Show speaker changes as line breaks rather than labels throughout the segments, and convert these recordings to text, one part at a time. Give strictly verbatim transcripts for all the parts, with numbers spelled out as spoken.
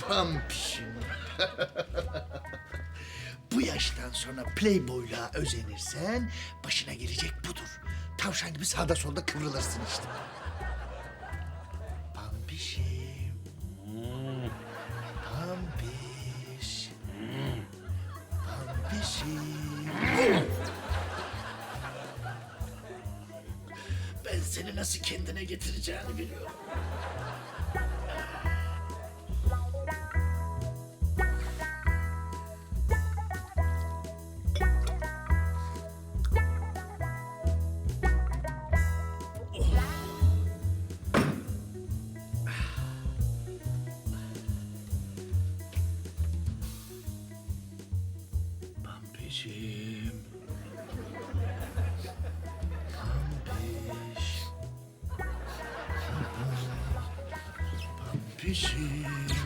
Pampişim. Bu yaştan sonra playboyluğa özenirsen başına gelecek budur. Tavşan gibi sağda solda kıvrılırsın işte. Pampişim. Pampiş. Pampişim. Ben seni nasıl kendine getireceğini biliyorum. Pampişim. Pampiş. Pampişim.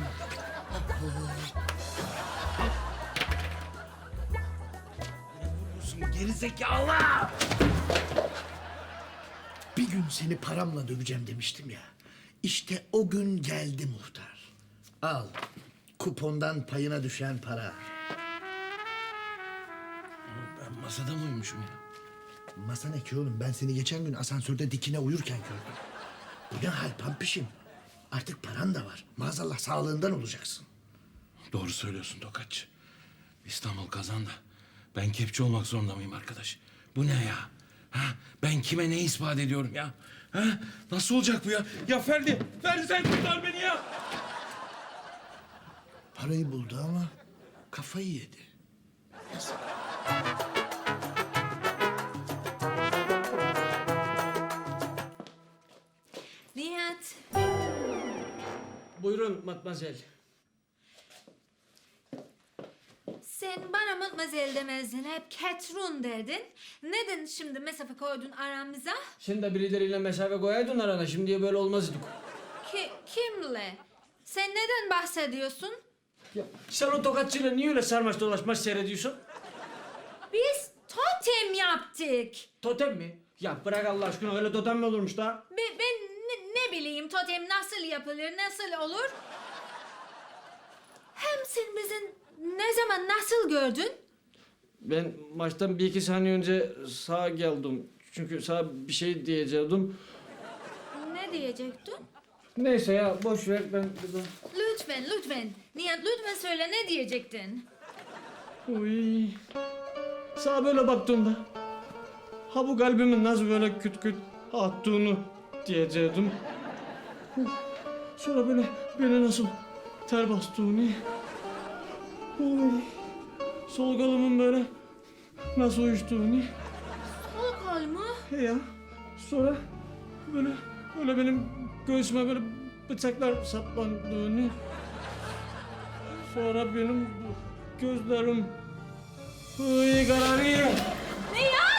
Gerizekalı! Bir gün seni paramla döveceğim demiştim ya. İşte o gün geldi muhtar. Al, kupondan payına düşen para.
Ben masada mı uyumuşum ya?
Masa ne ki oğlum? Ben seni geçen gün asansörde dikine uyurken gördüm. Bu ne hal Pampişim? Artık paran da var. Maazallah sağlığından olacaksın.
Doğru söylüyorsun Tokatçı. İstanbul kazandı. Ben kepçe olmak zorunda mıyım arkadaş? Bu ne ya? Ha? Ben kime ne ispat ediyorum ya? Ha? Nasıl olacak bu ya? Ya Ferdi, Ferdi sen kurtar beni ya!
Parayı buldu ama kafayı yedi. Yazık.
Nihat,
Buyurun matmazel.
sen bana matmazel demezdin, hep Ketrun derdin. Neden şimdi mesafe koydun aramıza?
Sen de birileriyle mesafe koyaydın arana. Şimdiye böyle olmazdık.
Ki, kimle? Sen neden bahsediyorsun?
Ya, sen o tokatçıyla niye öyle sarmaş dolaşmaş seyrediyorsun?
Biz totem yaptık.
Totem mi? Ya bırak Allah aşkına, öyle totem mi olurmuş da?
Be- ben ne, ne bileyim totem nasıl yapılır, nasıl olur? Hem sen bizi ne zaman nasıl gördün?
Ben maçtan bir iki saniye önce sağa geldim. Çünkü sağa bir şey diyecektim.
Ne diyecektin?
Neyse ya, boş ver, ben...
Lütfen, lütfen. Nihat lütfen söyle, ne diyecektin?
Uy. Sağa böyle baktığımda... Ha bu kalbimin nasıl böyle küt küt attığını diyecektim. Sonra böyle beni nasıl ter bastığını... Uy. Sol kolumun böyle nasıl uyuştuğunu...
Sol kol mu?
He ya. Sonra böyle böyle benim göğsüme böyle bıçaklar saplandığını... Sonra benim gözlerim... Uy kararıyor.
Nihat!